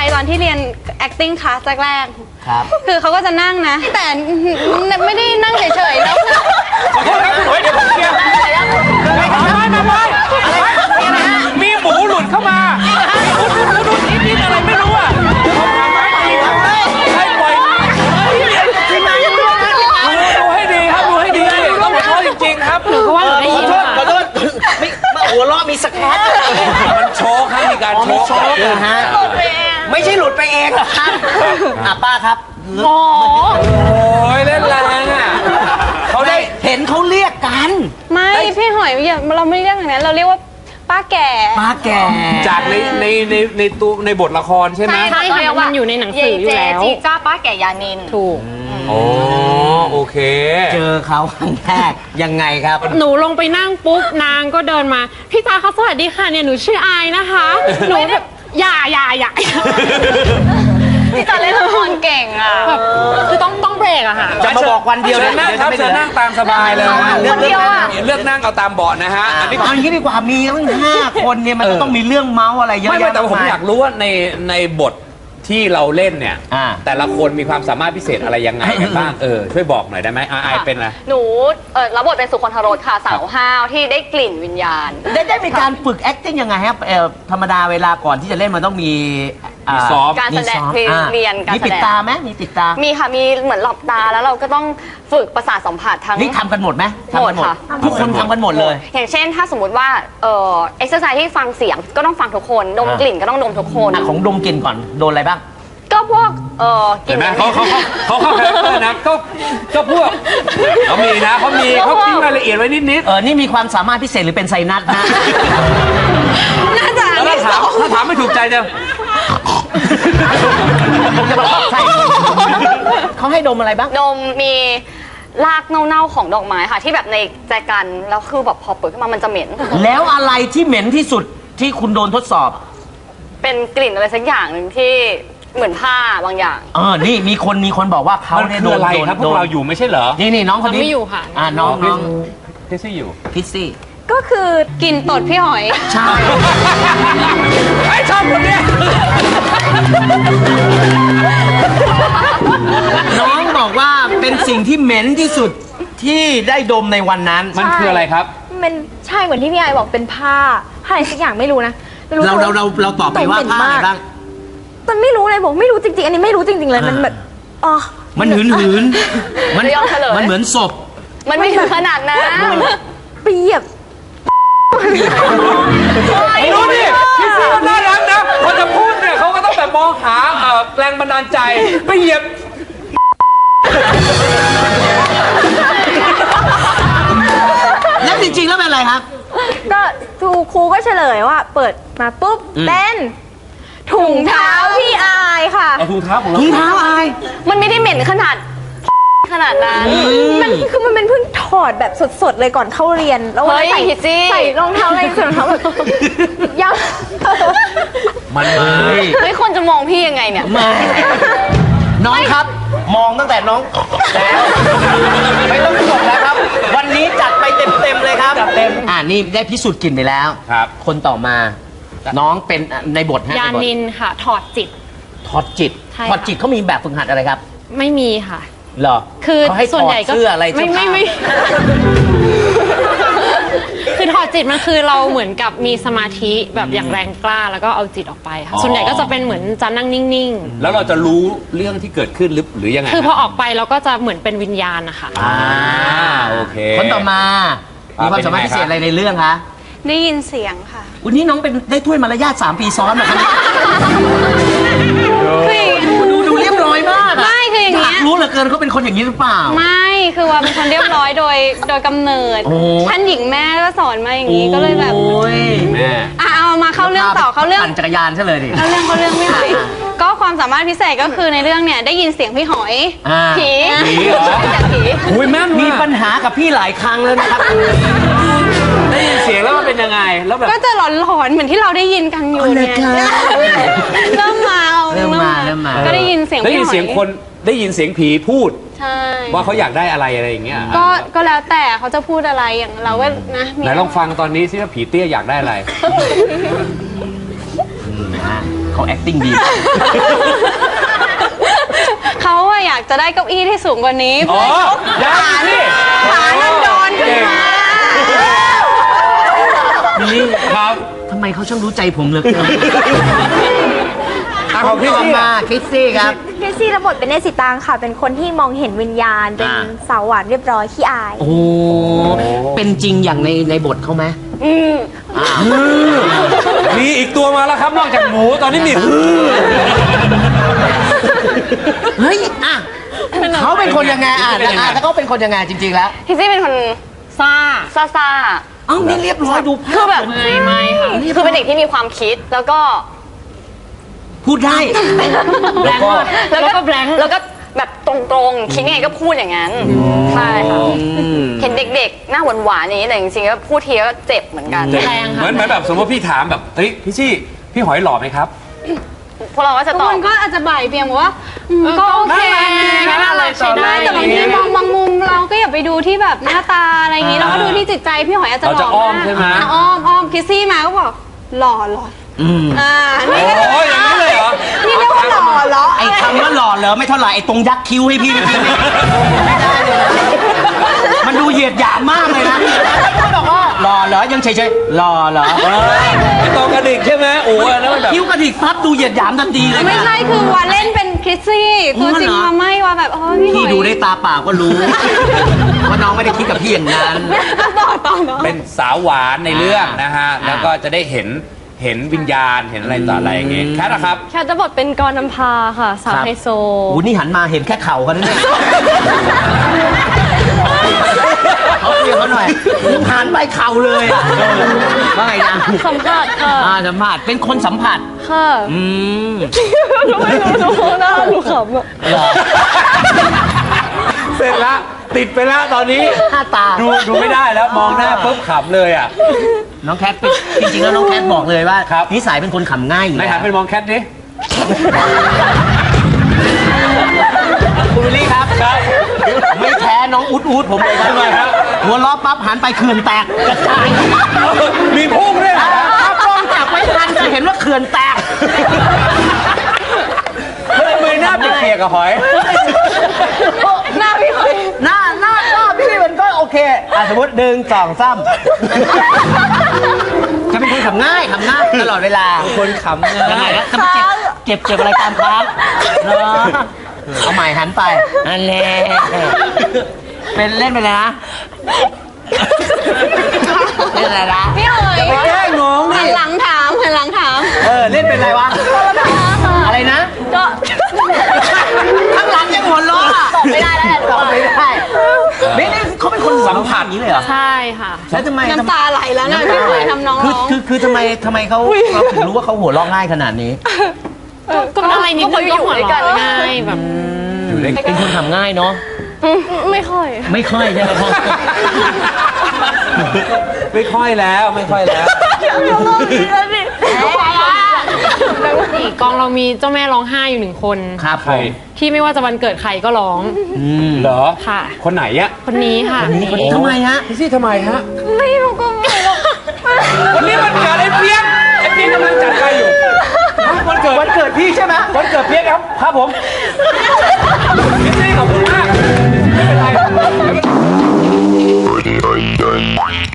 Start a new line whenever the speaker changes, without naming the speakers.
ตอนที่เรียน acting class แรก
ครับ
คือเขาก็จะนั่งนะ แต่ไม่ได้นั่งเฉยๆแล้ว
ขอโทษครับคุณหน่อยเดี๋ยวผมเคลียร์มีหมูหลุดเข้ามาหลุดนิดๆอะไรไม่รู้อ่ะให้ปล่อยดูให้ดีครับดูให้ดีต้องขอโทษจริงๆครับหนูก็ว่าได้ยินขอโทษ
ไม่หัวเราะมีสแครป
มันโชว์ให้มีการโชว์
นะฮะไม่ใช่หลุดไปเองหรอกครับป้าครับ
โอ้
โอ้ยเล่นแรงอ่ะเขาได้
เห็นเขาเรียกกัน
ไม่พี่หอยเราไม่เรียกอย่างนั้นเราเรียกว่าป้าแก่
ป้าแก่
จากในบทละครใช่ไหม
ใช่ค่ะมันอยู่ในหนังสืออยู่แล้ว
จีจ้าป้าแก่ยานิน
ถูก
อ๋อโอเค
เจอเขาครั้งแรกยังไงครับ
หนูลงไปนั่งปุ๊บนางก็เดินมาพี่ตาคะสวัสดีค่ะเนี่ยหนูชื่ออายนะคะหนูแบบอย่า
พี่จ้าเล่นละครเก่งอ่ะ
แบบคือต้องเบรกอะค่ะ
จะมาบอกวันเดียว
เชิญนั่งครับเชิญนั่งตามสบายเลยนะ
คนเดียวอะ
เลือกนั่งเอาตามเบาะนะฮะอันนี้
เอาอย่างนี้ดีกว่ามีตั้ง5 คนเนี่ยมันต้องมีเรื่องเมาส์อะไรเยอะ
ไม่
แยะ
แต่ผมอยากรู้ว่าในบทที่เราเล่นเนี่ย
อ่า
แต่ละคนมีความสามารถพิเศษอะไรยังไงกันบ้างช่วยบอกหน่อยได้ไหมอายเป็นอะไร
หนูรับบทเป็นสุคนธรสค่ะสาวห้าวที่ได้กลิ่นวิญญาณ
ได้มีการฝึก acting ยังไงครับธรรมดาเวลาก่อนที่จะเล่นมันต้องมี
มีซ้อม
การแสดง
มีซ้อม
เรียนการ
มี
แส
ปิด
ดง
ตาไหมมีปิดตา
มีค่ะมีเหมือนหลับตาแล้วเราก็ต้องฝึกประสาทสัมผัสทั้ง
นี่ทำกันหมดไหมทำกันหมด
หมดค่ะ
ทุกคนทำกันหมดเลย
อย่างเช่นถ้าสมมติว่าเอ็กซ์ไซส์ที่ฟังเสียงก็ต้องฟังทุกคนดมกลิ่นก็ต้องดมทุกคน
ของดมกลิ่นก่อนโดนอะไรบ้าง
ก็พวกก
เห็
ลิ่
น
น
ไหมเขาคาแรคเตอร์นะก็พวกเขามีนะเขาทิ้งรายละเอียดไว้นิด
นี่มีความสามารถพิเศษหรือเป็นไซนัสนะ
น่าจะ
ๆแล้วถ้าถามไม่ถูกใจจะ
ใช่เขาให้ดมอะไรบ้าง
ดมมีรากเน่าๆของดอกไม้ค่ะ ที่แบบในแจกันแล้วคือแบบพอเปิดขึ้นมามันจะเหม็น
แล้วอะไรที่เหม็นที่สุดที่คุณโดนทดสอบ
เป็นกลิ่นอะไรสักอย่างหนึ่งที่เหมือนผ้าบางอย่าง
นี่มีคนบอกว่าเขา
มัน
เนี่ย
คื
โด
อน อะไรครับพวกเราอยู่ไม่ใช่เหรอ
นี่น้องคนนี้
เราไม่อยู่ค่ะ
น้อง
ที่ซี่อยู่
พิซซี่
ก็คือกลิ่นตดพี่หอย
ใช่
ไอ้ชอบคนเนี้ย
น้องบอกว่าเป็นสิ่งที่เหม็นที่สุดที่ได้ดมในวันนั้น
มันคืออะไรครับ
มันใช่เหมือนที่พี่ไอบอกเป็นผ้าอะไรสักอย่างไม่รู้นะไม่
เราตอบไปว่าผ้าอะไรบ้าง
แต่ไม่รู้เลยบอกไม่รู้จริงๆ อันนี้ไม่รู้จริงๆเลยมันแบบอ๋อ
มันหืนมัน
ยอมเฉลย
มันเหมือนศพ
มันไม่ถึงขนาดนั้น
เปรียบ
รู้ดิพี่ซี่มันน่ารักนะพอจะพูดเนี่ยเขาก็ต้องแบบมองหาแรงบันดาลใจไปเหยียบ
แล้วจริงๆแล้วเป็นอะไรครับ
ก็ครูก็เฉลยว่า เปิดมาปุ๊บเป็นถุงเท้าพี่อายค่ะ
เอาถุงเท้าของเรา
ถุงเท้าอาย
มันไม่ได้เหม็นขนาดขนาดนั้น
มันเป็นเพิ่งถอดแบบสดๆเลยก่อนเข้าเรียนแล้ววันนั้น
เฮ้ยฮิตซี่
ใส่รองเท้าอะไรใส่รองเท้าแบบยัง
มันมา
ไม่ควรจะมองพี่ยังไงเนี่ย
น้องครับ มองตั้งแต่น้องแล้วไม่ต้องจบแล้วครับ วันนี้จัดไปเต็มๆเลยครับจัดเต็มนี่ได้พิสูจน์กลิ่นไปแล้ว
ครับ
คนต่อมา น้องเป็นในบทฮะ
ยา
ในบท
นินค่ะ ถอดจิต
ถอดจิต
ใช่ค่ะ
ถอดจิตเขามีแบบฝึกหัดอะไรครับ
ไม่มีค่ะ
เหรอ
คือ
เขาให้ถ
ส่วน
อด
ใหญ่ก็
เสื้ออะไรเสื้อผ้า
ไม่ คือถอดจิตมันคือเราเหมือนกับมีสมาธิแบบอย่างแรงกล้าแล้วก็เอาจิตออกไปค่ะส่วนใหญ่ก็จะเป็นเหมือนจะนั่งนิ่ง
แล้วเราจะรู้เรื่องที่เกิดขึ้นหรือยังไง
ๆ คือพอออกไปเราก็จะเหมือนเป็นวิญญาณนะคะ
โอเค
คนต่อมา มีความสามารถพิเศษอะไรในเรื่องคะ
ได้ยินเสียงค่ะ
วันนี้น้องเป็นได้ถ้วยมารยาท3 ปีซ้อนนะครับ
คืออย่างงี้
ดูเรียบร้อยมากะ
ไม่คืออย่างเงี้ย
ยากรู้เหลือเกินเขาเป็นคนอย่างนี้หรือเปล่า
ไม่คือว่าเป็นคนเรียบร้อยโดยกำเนิด
โอ้
ท่านหญิงแม่ก็สอนมาอย่างนี้ก็เลยแบบ
โอ้ย
แม่
เอามาเข้าเรื่องต่อเข้าเรื่อง
ปั่นจักรยานซะเลยดิ
เข้าเรื่องไม่ไหวก็ความสามารถพิเศษก็คือในเรื่องเนี่ยได้ยินเสียงพี่หอย
ผี
ผีเหรอ
จากผี
อุ้ยแม่น
มี
ว่ะ
ปัญหากับพี่หลายครั้งแล้วนะครับ
ได้ยินเสียงแล้วมันเป็นยังไงแล้วแบบ
ก็จะหลอนๆเหมือนที่เราได้ยินกันอยู่เนี่ย
อ๋อเหรอคะ
เริ่มมา
เริ่มมา
ก็ได้ยินเสียง
ได้
พี่
ยิน
หอ
เสียงคนได้ยินเสียงผีพูด
ใช่
ว่าเขาอยากได้อะไรอย่างเงี้ย
ก็แล้วแต่เขาจะพูดอะไรอย่างเราก็นะมี
ไหนลองฟังตอนนี้สิว่าผีเตี้ยอยากได้อะไร
นะฮะเขา acting ดี
เขาอะอยากจะได้เก้าอี้ที่สูงกว่านี้
อ๋อได้สิ
ขานั่นโดนขึ้นมา
นี่
ครับ
ทำไมเขาช่างรู้ใจผมเหลือเกิน
ของพี่ซี่
มาคริสซี่ครับ
คริสซี่รับบทเป็นเนสิตางค่ะ เป็นคนที่มองเห็นวิญญาณ เป็นสาวหวานเรียบร้อยขี้อาย
โอ้ เป็นจริงอย่างในบทเขาไหม
มีอีกตัวมาแล้วครับนอกจากหมูตอนนี้มี
เฮ้ย อ่ะเขาเป็นคนยังไงอ่ะถ้าเขาเป็นคนยังไงจริงๆแล้ว
พี่ซี่เป็นคน
ซ่า
ซ่า
เอ้านี่เรียบร้อยดู
ๆคือแบบ
ไม่ค่ะ
คือเป็นเด็กที่มีความคิดแล้วก็
พูดได้
แล้วก็
แล้วก็แบบตรงๆคิดไงก็พูดอย่างนั้นใช่ค่ะเห็นเด็กๆหน้าหวานๆอย่างนี้แต่จริงๆก็พูดทีก็เจ็บเหมือนกัน
แรงค่ะ
เหมือนแบบสมมติพี่ถามแบบเฮ้ยพี่ซี่พี่หอยหล่อไหมครับ
พวกเราก็จะ
ทุก
ตอ
ค
บ
นก็อาจจะบ่ายเบี่ยงบอกว่าก็โอเค
น่ารักใช้ได้
แต่บางทีมองบางมุมเราก็อย่าไปดูที่แบบหน้าตาอะไรอย่างนี้เราก็ดูที่จิตใจพี่หอยอาจจะหล่
เราจะอ้อม
มาก
ใช่ไหม
อ้อมคิสซี่มาก็บอกหล่อนี่ก็
โอ้ยอย่างนี้เลยเหรอ
นี่เรียกว่าหล่อเหรอ
ไอ้คำว่าหล่อเหรอไม่เท่าไหร่ไอ้ตรงยักคิ้วให้พี่ไม่ได้เลยนะมันดูเหยียดหยามมากเลยนะเขาบอกว่าหล่อเหรอยังเฉยๆหล่อเหรอ
ไอ้ตรงกระดิกใช่ไหมโอ้ยแล้วแบบ
คิ้วกระดิกพับดูเหยียดหยามทันทีเลย
ไม่ใช่คือว่าเล่นเป็นคริสซี่ตัวจริงมาไม่ว่าแบบพี่ห
พี่
อย
ดูได้ตาเปล่าก็รู้ว่าน้องไม่ได้คิดกับพี่อย่างนั้น
ต่อเนาะ
เป็นสาวหวานในเรื่องนะฮะแล้วก็จะได้เห็นวิญญาณเห็นอะไรต่ออะไรอย่างเงี้ยแค่นะครับ
แค่จะบทเป็นกรน้ำพาค่ะ สาวไฮโซ
โอ้นี่หันมาเห็นแค่เข่าเขาเนี่ยเขาเรียกเขาหน่อยหันไปเข่าเลยอะว่าไงนะ
สัมผัสค่ะ
สัมผัสเป็นคนสัมผัส
ค่ะ
อืม
ไม่รู้หน้าหนูขำอะ
เหรอ
เสร็จละติดไปแล้วตอนนี้
หน้าตา
ดูไม่ได้แล้วมองหน้าปุ๊บขำเลยอ่ะ
น้องแคทเป็นจริงๆแล้วน้องแคทบอกเลยว่า
ครับ
นิสัยเป็นคนขำง่ายอยู่
ไหน
แล้ว
หันไปมองแคทดิ
คุณวิลลี่ครับไม่แพ้น้องอูดผมเลยครับ
ทำไมครับ
หัวล้อปั๊บหันไปเขื่อนแตกกระจาย
มีพุ่งด้วยเหรอ
ถ้ากล้องจับไม่ทันจะเห็นว่าเขื่อนแตก
ทำไมหน้าเปียกๆกับหอย
หน้าพี่หน้าพี่มันก็โอเคสมมติ1 2 3จะเป็นคนขำง่ายตลอดเวลา
คนขำ
ยังไง
ง่าย
นะจะเจ็บอะไรตามค้างเนาะเอาใหม่หันไปอันแหละเป็นเล่นไปเลยนะเล่นอะไรนะ
พี่หอย
อย่าไปแกล้งน้อง
หั
ดิ
นหลังถาม
เล่นเป็นอะไรวะอะไรนะ
ก็
ข้างหลังยังหัวล้อตอบไม่ได้แล้วตอบไม่ได้นี่เขาเป็นคนสัมผัสนี้เลยเหรอ
ใช่ค่ะ
แล้วทำไม
น้ำตาไหลแล้วนะพี่หอยทำน้องร้อง
คือทำไมเขาถึงรู้ว่าเขาหัวเราะง่ายขนาดนี้
ก็อะไรนิดนึงก็หัวเราะง่ายแบบ
อยู่ด้วย
เป็นคนทำง่ายเนาะ
ไม่ค่อย
ไม่ค่อยใช่ไหมครับ
ไม่ค่อยแล้วไม่ค่อยแล้ว
นี่กองเรามีเจ้าแม่ร้องไห้อยู่1 คน
ครับ
ใคร
ที่ไม่ว่าจะวันเกิดใครก็ร้อง
เหรอ
ค่ะ
คนไหนอะ
คนนี้ค่ะ
ทำไมฮะ
พี่ซี่ทำไมฮะ
ไม่รู้ก็ไม่รู้
วันนี้มันเกิดไอ้เปียกกำลังจัดไปอยู่วันเกิดพี่ใช่ไหมวันเกิดเปียกครับผมพี่ซี่ขอบคุณ